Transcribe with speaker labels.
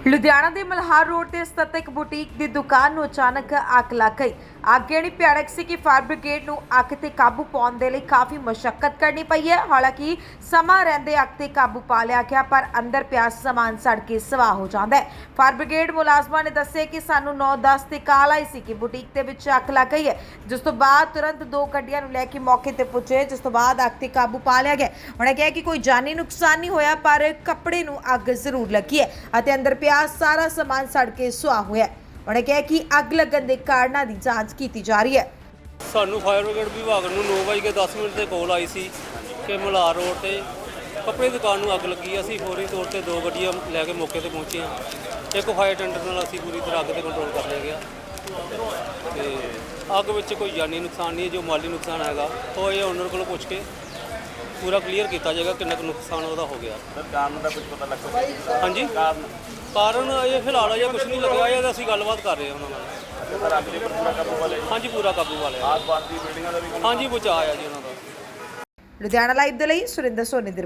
Speaker 1: ਲੁਧਿਆਣਾ ਦੇ ਮਲਹਾਰ ਰੋਡ ਤੇ ਸਥਿਤ ਇੱਕ ਬੁਟੀਕ ਦੀ ਦੁਕਾਨ ਨੂੰ ਅਚਾਨਕ ਅੱਗ ਲੱਗ ਗਈ। ਅੱਗ ਇੰਨੀ ਭਿਆਨਕ ਸੀ ਕਿ ਫਾਇਰ ਬ੍ਰਿਗੇਡ ਨੂੰ ਅੱਗ ਤੇ ਕਾਬੂ ਪਾਉਣ ਦੇ ਲਈ ਕਾਫੀ ਮਸ਼ੱਕਤ ਕਰਨੀ ਪਈ ਹੈ। ਹਾਲਾਂਕਿ ਸਮਾਂ ਰਹਿੰਦੇ ਅੱਗ ਤੇ ਕਾਬੂ ਪਾ ਲਿਆ ਗਿਆ, ਪਰ ਅੰਦਰ ਪਿਆ ਸਮਾਨ ਸੜ ਕੇ ਸਵਾਹ ਹੋ ਜਾਂਦਾ ਹੈ। ਫਾਇਰ ਬ੍ਰਿਗੇਡ ਮੁਲਾਜ਼ਮਾਂ ਨੇ ਦੱਸਿਆ ਕਿ ਸਾਨੂੰ 9:10 ਤੇ ਕਾਲ ਆਈ ਸੀ ਕਿ ਬੁਟੀਕ ਦੇ ਵਿੱਚ ਅੱਗ ਲੱਗ ਗਈ ਹੈ, ਜਿਸ ਤੋਂ ਬਾਅਦ ਤੁਰੰਤ 2 ਗੱਡੀਆਂ ਨੂੰ ਲੈ ਕੇ ਮੌਕੇ ਤੇ ਪੁੱਜੇ, ਜਿਸ ਤੋਂ ਬਾਅਦ ਅੱਗ ਤੇ ਕਾਬੂ ਪਾ ਲਿਆ ਗਿਆ। ਉਹਨਾਂ ਕਿਹਾ ਕਿ ਕੋਈ ਜਾਨੀ ਨੁਕਸਾਨ ਨਹੀਂ ਹੋਇਆ, ਪਰ ਕੱਪੜੇ ਨੂੰ ਅੱਗ ਜ਼ਰੂਰ ਲੱਗੀ ਹੈ ਅਤੇ ਅੰਦਰ ਪਿਆ ਸਾਰਾ ਸਮਾਨ ਸੜ ਕੇ ਸੁਆਹ ਹੋਇਆ। ਉਹਨੇ ਕਿਹਾ ਕਿ ਅੱਗ ਲੱਗਣ ਦੇ ਕਾਰਨਾਂ ਦੀ ਜਾਂਚ ਕੀਤੀ ਜਾ ਰਹੀ ਹੈ।
Speaker 2: ਸਾਨੂੰ ਫਾਇਰ ਬ੍ਰਿਗੇਡ ਵਿਭਾਗ ਨੂੰ 9:10 ਤੇ ਕਾਲ ਆਈ ਸੀ ਕਿ ਮਲਹਾਰ ਰੋਡ ਤੇ ਕੱਪੜੇ ਦੀ ਦੁਕਾਨ ਨੂੰ ਅੱਗ ਲੱਗੀ। ਅਸੀਂ ਫੌਰੀ ਤੌਰ ਤੇ 2 ਗੱਡੀਆਂ ਲੈ ਕੇ ਮੌਕੇ ਤੇ ਪਹੁੰਚੇ ਹਾਂ। ਇੱਕ ਫਾਇਰ ਟੈਂਡਰ ਨਾਲ ਅਸੀਂ ਪੂਰੀ ਤਰ੍ਹਾਂ ਅੱਗ ਤੇ ਕੰਟਰੋਲ ਕਰ ਲਿਆ ਗਿਆ ਤੇ ਅੱਗ ਵਿੱਚ ਕੋਈ ਜਾਨੀ ਨੁਕਸਾਨ ਨਹੀਂ। ਜੋ ਮਾਲੀ ਨੁਕਸਾਨ ਹੈਗਾ ਉਹ ਇਹ ਓਨਰ ਕੋਲੋਂ ਪੁੱਛ ਕੇ ਪੂਰਾ ਕਲੀਅਰ ਕੀਤਾ ਜਾਏਗਾ ਕਿੰਨਾ ਕੁ ਨੁਕਸਾਨ ਉਹਦਾ ਹੋ ਗਿਆ।
Speaker 3: ਕਾਰਨ ਦਾ ਕੁਝ ਪਤਾ ਲੱਗਾ?
Speaker 2: ਹਾਂਜੀ, ਕਾਰਨ ਇਹ ਫਿਲਹਾਲ ਅਜੇ ਕੁਝ ਨਹੀਂ ਲੱਗਿਆ। ਇਹ ਅਸੀਂ ਗੱਲਬਾਤ ਕਰ ਰਹੇ ਹਾਂ ਉਹਨਾਂ ਨਾਲ।
Speaker 3: ਸਰ ਅੱਗ ਦੇ ਉੱਪਰ ਪੂਰਾ ਕਾਬੂ ਪਾ ਲਿਆ?
Speaker 2: ਹਾਂਜੀ, ਪੂਰਾ ਕਾਬੂ ਪਾ ਲਿਆ।
Speaker 3: ਆਸ-ਪਾਸ ਦੀ ਬਿਲਡਿੰਗਾਂ ਦਾ ਵੀ
Speaker 2: ਹਾਂਜੀ, ਬਚਾਅ ਆ ਜੀ ਉਹਨਾਂ ਦਾ।
Speaker 1: ਲੁਧਿਆਣਾ ਲਾਈਵ ਦੇ ਲਈ ਸੁਰਿੰਦਰ ਸੋਨੀ ਦੀ